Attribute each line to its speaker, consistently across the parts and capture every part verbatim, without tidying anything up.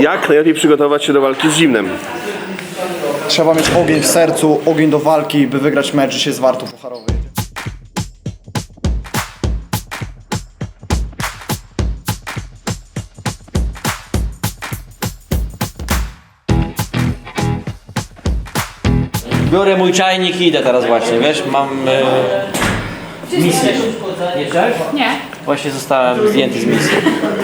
Speaker 1: Jak najlepiej przygotować się do walki z zimnem?
Speaker 2: Trzeba mieć ogień w sercu, ogień do walki, by wygrać mecz, że się z Wartą Pucharowej.
Speaker 3: Biorę mój czajnik i idę teraz właśnie, wiesz, mam e, misję. Nie chciałeś?
Speaker 4: Nie.
Speaker 3: Właśnie zostałem zdjęty z misji.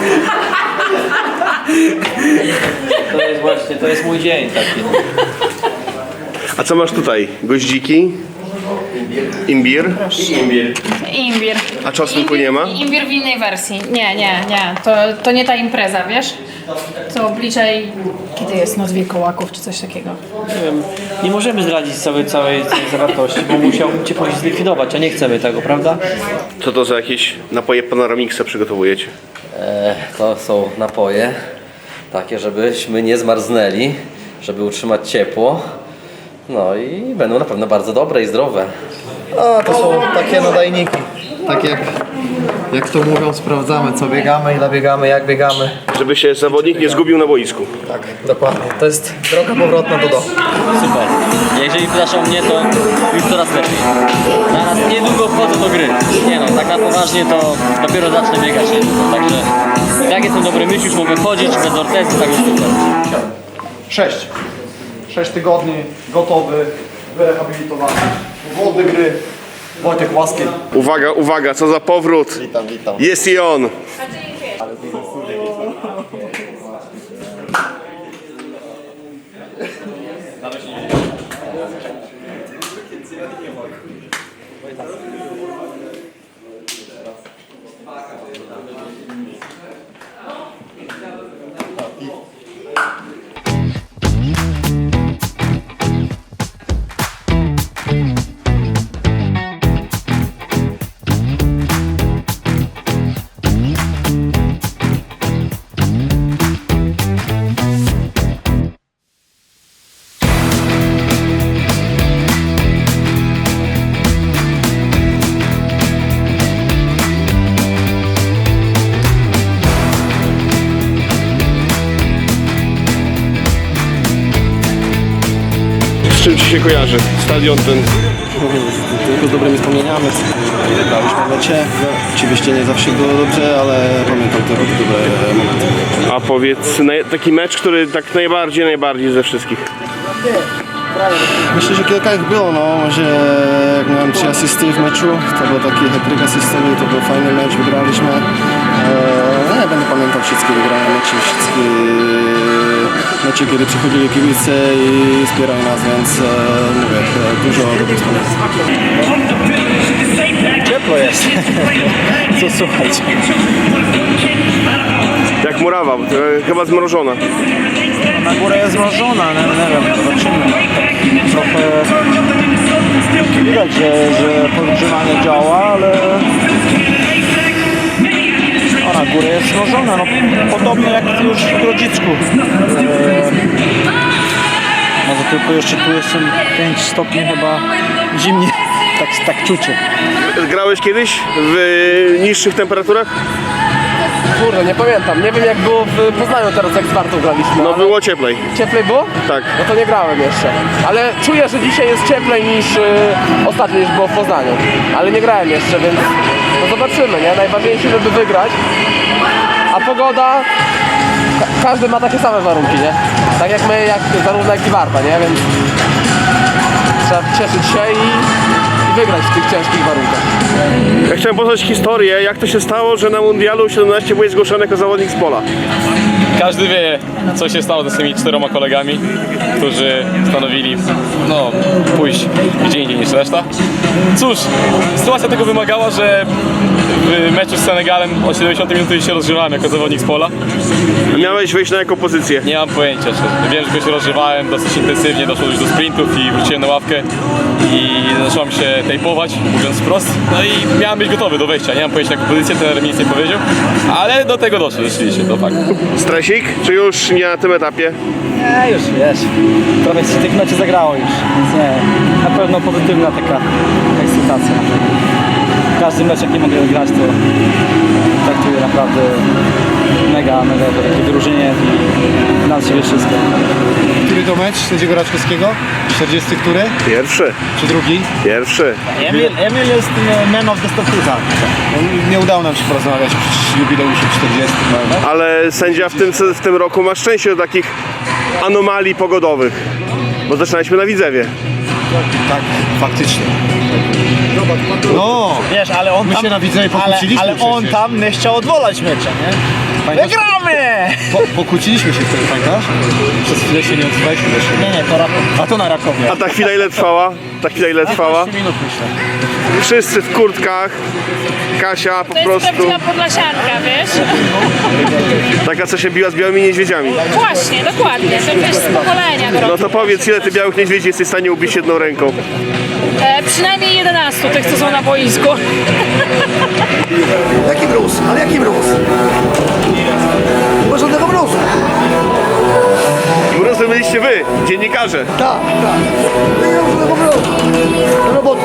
Speaker 3: To jest właśnie, to jest mój dzień taki.
Speaker 1: A co masz tutaj? Goździki? Imbir?
Speaker 3: Imbir.
Speaker 4: Imbir.
Speaker 1: A czosnku nie ma?
Speaker 4: Imbir w innej wersji. Nie, nie, nie. To, to nie ta impreza, wiesz? To obliczaj, kiedy jest noc wilkołaków czy coś takiego.
Speaker 3: Nie wiem, nie możemy zdradzić całej, całej, całej zawartości, bo musiałbym cię później zlikwidować, a nie chcemy tego, prawda?
Speaker 1: Co to za jakieś napoje Panoramixa przygotowujecie?
Speaker 5: E, to są napoje takie, żebyśmy nie zmarznęli, żeby utrzymać ciepło. No i będą na pewno bardzo dobre i zdrowe.
Speaker 2: A, to są takie nadajniki. Tak jak, jak to mówią, sprawdzamy co biegamy, ile biegamy, jak biegamy.
Speaker 1: Żeby się zawodnik nie zgubił na boisku.
Speaker 2: Tak, dokładnie. To jest droga powrotna do domu.
Speaker 3: Super. Jeżeli pytasz o mnie, to już coraz lepiej. Zaraz niedługo wchodzę do gry. Nie no, tak na poważnie to dopiero zacznę biegać niedługo. Także jak jestem dobry myśl, już mogę chodzić bez ortezy, tak jest super.
Speaker 2: Sześć. Sześć tygodni, gotowy, wyrehabilitowany. Wody gry. Wojtek Łaski.
Speaker 1: Uwaga, uwaga, co za powrót!
Speaker 2: Witam, witam.
Speaker 1: Jest i on! Z czym ci się kojarzy stadion ten?
Speaker 6: Tylko z dobrymi wspomnieniami. Graliśmy w mecie. Oczywiście nie zawsze było dobrze, ale pamiętam te dobre momenty.
Speaker 1: A powiedz, naj- taki mecz, który tak najbardziej, najbardziej ze wszystkich.
Speaker 6: Myślę, że kilka ich było, no. Może jak miałem trzy asysty w meczu, to był taki hat-trick asystowy, to był fajny mecz, wygraliśmy. Eee, nie będę pamiętał wszystkie wygrane mecze, wszystkie mecze, kiedy przychodzili kibice i wspierali nas, więc e, mówię, e, dużo dobrych wspomnień.
Speaker 2: Ciepło jest. Co słuchać?
Speaker 1: Jak murawa, bo to chyba zmrożona.
Speaker 2: Na górę jest zmrożona, nie, nie wiem, zobaczymy. Trochę widać, że, że podgrzewanie działa, ale o, na górę jest zmrożona, no podobnie jak już w Grodzicku. Eee, może tylko jeszcze tu jest pięć stopni chyba zimnie, tak, tak czucie.
Speaker 1: Grałeś kiedyś w niższych temperaturach?
Speaker 7: Kurde, nie pamiętam. Nie wiem jak było w Poznaniu teraz, jak z Wartą graliśmy.
Speaker 1: No
Speaker 7: ale
Speaker 1: było cieplej.
Speaker 7: Cieplej było?
Speaker 1: Tak.
Speaker 7: No to nie grałem jeszcze. Ale czuję, że dzisiaj jest cieplej niż y, ostatnio niż było w Poznaniu. Ale nie grałem jeszcze, więc no zobaczymy, nie? Najważniejsze, żeby wygrać. A pogoda... Ka każdy ma takie same warunki, nie? Tak jak my, jak, zarówno jak i Warta, nie? Więc trzeba cieszyć się i, i wygrać w tych ciężkich warunkach.
Speaker 1: Ja chciałem poznać historię, jak to się stało, że na Mundialu siedemnaście byłeś zgłoszony jako zawodnik z pola.
Speaker 8: Każdy wie, co się stało z tymi czteroma kolegami, którzy stanowili no, pójść gdzie indziej niż reszta. Cóż, sytuacja tego wymagała, że w meczu z Senegalem o siedemdziesiątej minuty się rozgrzewałem jako zawodnik z pola.
Speaker 1: Miałeś wejść na jaką pozycję?
Speaker 8: Nie mam pojęcia, czy wiem, że się rozgrzewałem dosyć intensywnie, doszło już do sprintów i wróciłem na ławkę i zacząłem się tejpować, mówiąc wprost. No i miałem być gotowy do wejścia, nie mam pojęcia jaką pozycję, trener mi nic nie powiedział, ale do tego doszło rzeczywiście, to fakt.
Speaker 1: Stresik? Czy już nie na tym etapie?
Speaker 2: Nie, już wiesz, trochę się tych meczy zagrało już, więc nie, na pewno pozytywna taka ekscytacja. Każdy mecz, jaki mogę grać, to traktuję czuję naprawdę mega, mega wielkie wyróżnienie i na siebie wszystko.
Speaker 9: Który to mecz sędziego Raczkowskiego? czterdziesty który?
Speaker 1: Pierwszy,
Speaker 9: Czy drugi?
Speaker 1: pierwszy.
Speaker 9: Emil, Emil jest man of the Statuta. Nie udało nam się porozmawiać przy jubileuszu czterdziestym. No.
Speaker 1: Ale sędzia w tym, w tym roku ma szczęście do takich anomalii pogodowych. Bo zaczynaliśmy na Widzewie.
Speaker 9: Tak, faktycznie. No,
Speaker 2: Wiesz, ale on
Speaker 9: my
Speaker 2: tam,
Speaker 9: się na Widzewie
Speaker 2: ale,
Speaker 9: pokłóciliśmy
Speaker 2: ale on
Speaker 9: przecież.
Speaker 2: tam nie chciał odwołać mecza, nie?
Speaker 9: Pamiętasz?
Speaker 2: Wygramy!
Speaker 9: Po, pokłóciliśmy się wtedy, pamiętasz? Przez chwilę się nie odzywaliśmy do siebie.
Speaker 2: Nie, nie, to Raków.
Speaker 9: A to na Rakowie.
Speaker 1: A ta chwila ile trwała? Ta chwila ile trwała?
Speaker 2: minut myślę.
Speaker 1: Wszyscy w kurtkach. Kasia po
Speaker 4: To jest
Speaker 1: prostu
Speaker 4: prawdziwa podlasianka, wiesz?
Speaker 1: taka, co się biła z białymi niedźwiedziami.
Speaker 4: Właśnie, dokładnie. To wiesz, z pokolenia.
Speaker 1: No to powiedz, ile ty białych niedźwiedzi jesteś w stanie ubić jedną ręką?
Speaker 4: E, przynajmniej jedenastu tych, co są na boisku.
Speaker 10: Jaki mróz? Ale jaki mróz? Nie ma żadnego mrozu.
Speaker 1: Mrozem byliście wy, dziennikarze.
Speaker 10: Tak, tak. Nie ma żadnego mrozu. Do roboty.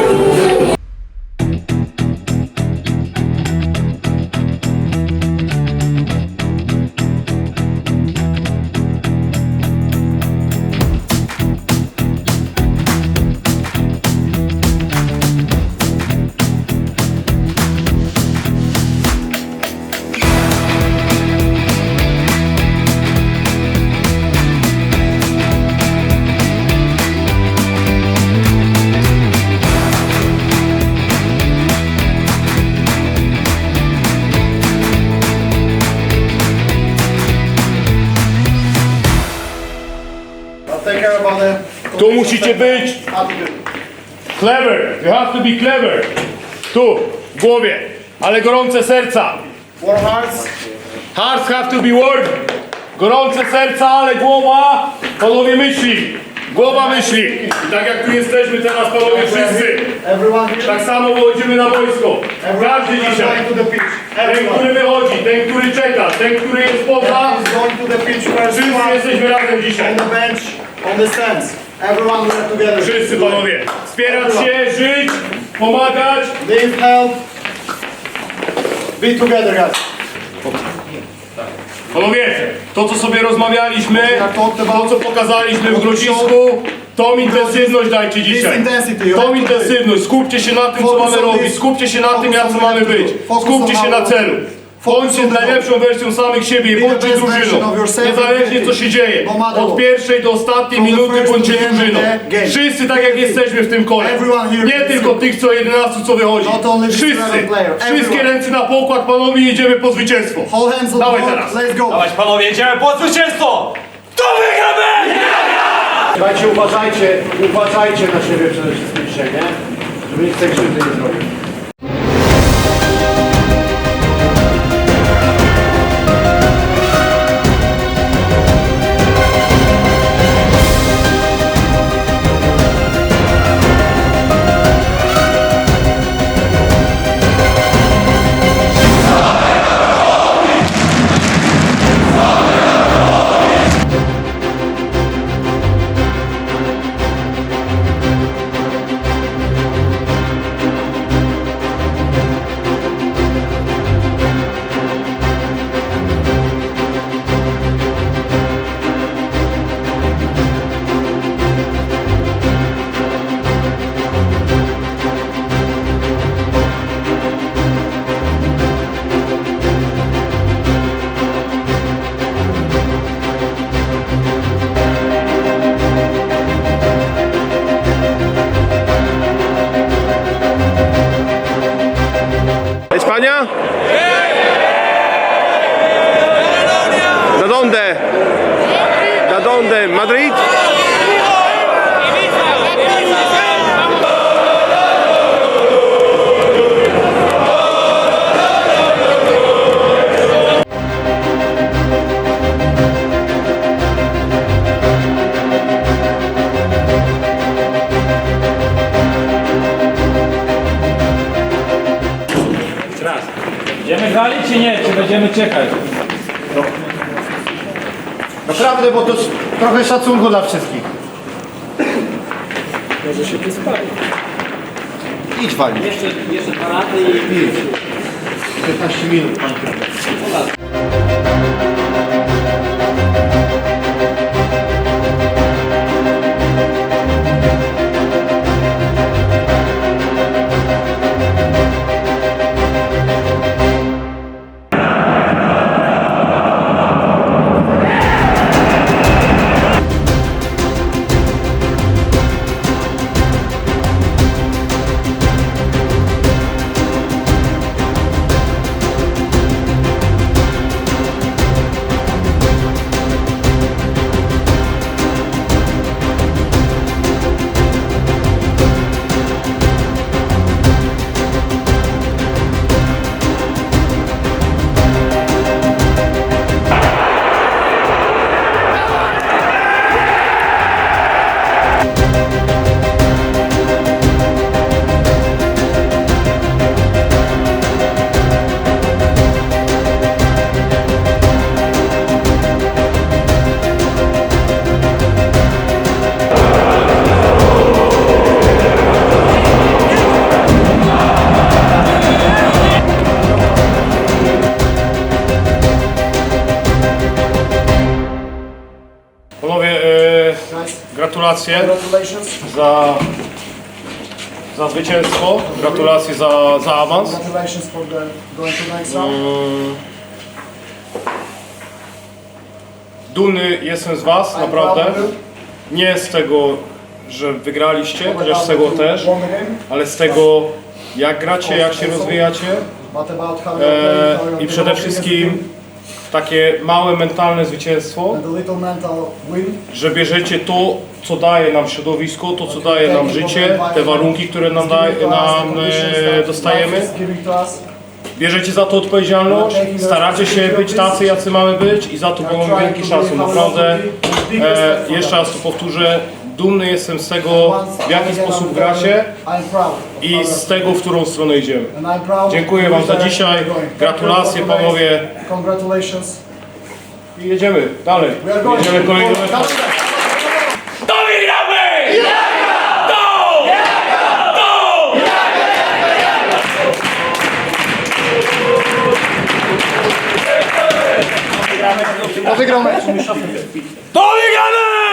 Speaker 11: Tu musicie być clever, you have to be clever. Tu, w głowie, ale gorące serca.
Speaker 10: Warm hearts.
Speaker 11: Hearts have to be warm. Gorące serca, ale głowa, panowie myśli. Głowa myśli. I tak jak tu jesteśmy teraz, panowie wszyscy.
Speaker 10: Everyone here.
Speaker 11: Tak samo wychodzimy na wojsko. Każdy dzisiaj.
Speaker 10: Going to the pitch.
Speaker 11: Ten,
Speaker 10: Everyone.
Speaker 11: który wychodzi, ten, który czeka, ten, który jest poza.
Speaker 10: Is going to the pitch first.
Speaker 11: Wszyscy jesteśmy razem dzisiaj.
Speaker 10: On the bench, on the stands. Everyone we are together.
Speaker 11: Wszyscy panowie. Wspierać się, żyć, pomagać.
Speaker 10: Give help. Be together, guys.
Speaker 11: Panowie, to co sobie rozmawialiśmy, to co pokazaliśmy w Grodzisku, tą intensywność dajcie dzisiaj. Tą intensywność, skupcie się na tym, co mamy robić, skupcie się na tym, jak co mamy być. Skupcie się na celu. Bądźcie najlepszą wersją samych siebie i bądźcie drużyną. Niezależnie co się dzieje. Od pierwszej do ostatniej minuty bądźcie drużyną. Wszyscy tak jak jesteśmy w tym kole. Nie tylko tych co jedenastu co wychodzi. Wszyscy. Wszystkie ręce na pokład, panowie, jedziemy po zwycięstwo. Dawaj teraz.
Speaker 10: Let's go.
Speaker 2: Dawać panowie, jedziemy po zwycięstwo! Kto wygramy?
Speaker 9: Słuchajcie, uważajcie, uważajcie na siebie przede wszystkim dzisiaj, nie? Żeby nikt tej krzywdy nie zrobił.
Speaker 1: España? ¿Da dónde? ¿Da dónde? ¿Madrid?
Speaker 2: Będziemy grali czy nie? Czy będziemy czekać?
Speaker 9: Naprawdę, bo to s- trochę szacunku dla wszystkich. Może się wyspali. Idź wali.
Speaker 3: Jeszcze, jeszcze dwa lata i...
Speaker 9: piętnaście minut, panie trenerze.
Speaker 11: Panowie, e, gratulacje za, za zwycięstwo, gratulacje za, za awans. Mm. Dumny jestem z Was, naprawdę. Nie z tego, że wygraliście, chociaż z tego też, ale z tego, jak gracie, jak się rozwijacie e, i przede wszystkim takie małe mentalne zwycięstwo, że bierzecie to, co daje nam środowisko, to, co daje nam życie, te warunki, które nam, daje, nam e, dostajemy. Bierzecie za to odpowiedzialność, staracie się być tacy, jacy mamy być i za to mam wielki szacun. Naprawdę, e, jeszcze raz to powtórzę, dumny jestem z tego, w jaki sposób gracie i z tego, w którą stronę idziemy. Dziękuję Wam za dzisiaj, gratulacje panowie i jedziemy dalej, jedziemy kolejny mecz.
Speaker 10: To wygramy!
Speaker 9: To wygrał mecz.
Speaker 10: To wygramy!